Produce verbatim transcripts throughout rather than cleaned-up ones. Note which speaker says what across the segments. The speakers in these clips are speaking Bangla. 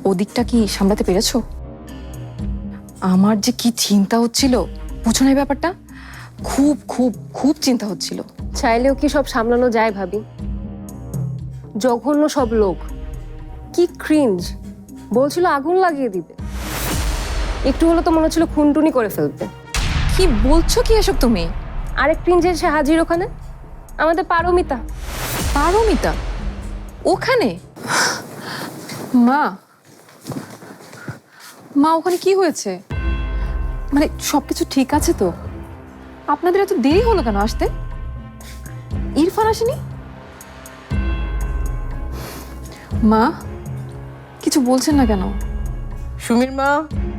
Speaker 1: ওদিকটা কি সামলাতে পেরেছো? আমার যে কি চিন্তা হচ্ছিল, বুঝো না এই ব্যাপারটা? খুব খুব খুব চিন্তা হচ্ছিল।
Speaker 2: চাইলেও কি সব সামলানো যায় ভাবি? জঘন্য সব লোক, কি ক্রিঞ্জ! বলছিল আগুন লাগিয়ে দিবে, একটু হলো তো মনে হচ্ছিল খুনটুনি করে ফেলবে।
Speaker 1: কি বলছো কি এসব তুমি?
Speaker 2: আরেক ক্রিঞ্জ এসে হাজির ওখানে, আমাদের পারমিতা।
Speaker 1: পারমিতা ওখানে? মা মা ওখানে কি হয়েছে? মানে সবকিছু ঠিক আছে তো? আপনাদের এত দেরি হলো কেন আসতে? ইরফান আসেনি? মা কিছু বলছেন না কেন?
Speaker 3: সুমির মা,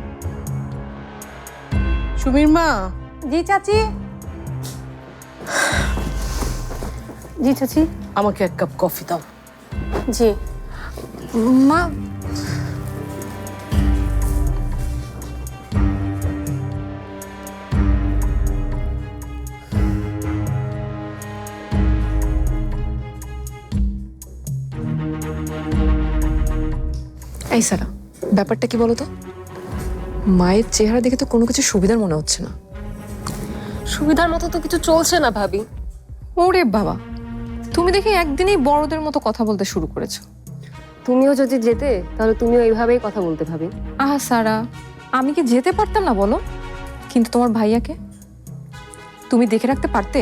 Speaker 3: সুমির মা।
Speaker 2: জি চাচি। জি চাচি।
Speaker 3: আমাকে এক কাপ কফি দাও।
Speaker 2: জি।
Speaker 1: মা এই সারা, ব্যাপারটা কি বলো তো? মায়ের চেহারা দেখে তো কোনো কিছু সুবিধার মনে হচ্ছে না।
Speaker 2: সুবিধার মতো তো কিছু চলছে না ভাবি।
Speaker 1: ওরে বাবা, তুমি দেখি একদিনেই বড়দের মতো কথা বলতে শুরু করেছো।
Speaker 2: তুমিও যদি যেতে তাহলে তুমিও এইভাবেই কথা বলতে ভাবি।
Speaker 1: আহা সারা, আমি কি যেতে পারতাম না বলো? কিন্তু তোমার ভাইয়াকে তুমি দেখে রাখতে পারতে?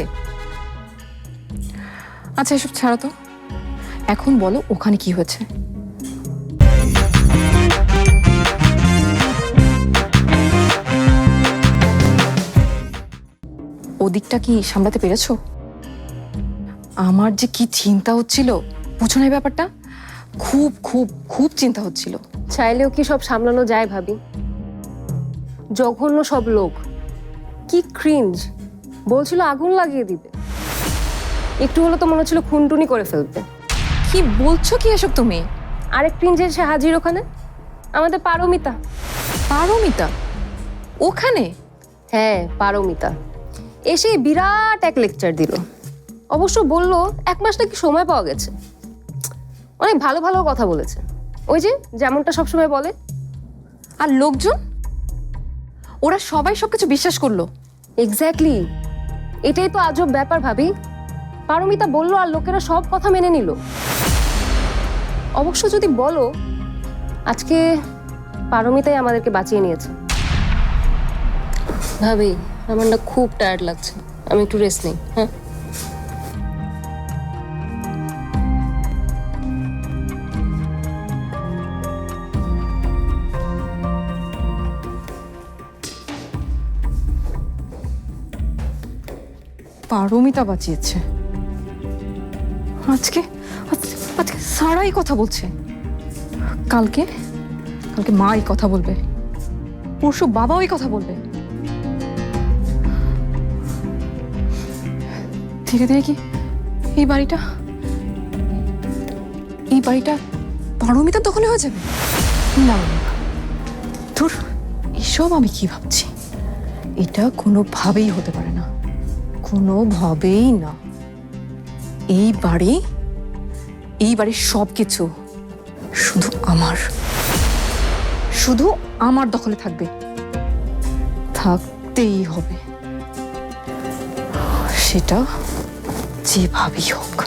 Speaker 1: আচ্ছা এসব ছাড়ো তো, এখন বলো ওখানে কি হয়েছে? ওদিকটা কি সামলাতে পেরেছো? আমার যে কি চিন্তা হচ্ছিল, বুঝো না এই ব্যাপারটা? খুব খুব খুব চিন্তা হচ্ছিল।
Speaker 2: চাইলেও কি সব সামলানো যায় ভাবি? জঘন্য সব লোক, কি ক্রিঞ্জ! বলছিল আগুন লাগিয়ে দিবে, একটু হলো তো মনে হচ্ছিল খুনটুনি করে ফেলবে।
Speaker 1: কি বলছো কি এসব তুমি?
Speaker 2: আরেক ক্রিঞ্জ এসে হাজির ওখানে, আমাদের পারমিতা।
Speaker 1: পারমিতা ওখানে?
Speaker 2: হ্যাঁ পারমিতা এসে বিরাট এক লেকচার দিল। অবশ্য বললো এক মাস নাকি সময় পাওয়া গেছে। অনেক ভালো ভালো কথা বলেছে, ওই যে যেমনটা সবসময় বলে।
Speaker 1: আর লোকজন, ওরা সবাই সবকিছু বিশ্বাস করলো?
Speaker 2: এক্স্যাক্টলি, এটাই তো আজব ব্যাপার ভাবি। পারমিতা বললো আর লোকেরা সব কথা মেনে নিল। অবশ্য যদি বলো, আজকে পারমিতাই আমাদেরকে বাঁচিয়ে নিয়েছে। ভাবি আমার না খুব টায়ার্ড লাগছে, আমি একটু রেস্ট নিই। হ্যাঁ
Speaker 1: পারমিতা বাঁচিয়েছে? আজকে আজ- আজকে সারাই কথা বলছে, কালকে কালকে মা এই কথা বলবে, পরশু বাবা ওই কথা বলবে। ধীরে ধীরে কি এই বাড়িটা এই বাড়িটা পারমিতার দখলে হয়ে যাবে? না না, ধুর, এসব আমি কি ভাবছি? এটা কোনোভাবেই হতে পারে না, কোনোভাবেই না। এই বাড়ি, এই বাড়ির সব কিছু শুধু আমার, শুধু আমার দখলে থাকবে, থাকতেই হবে, সেটা যেভাবেই হোক।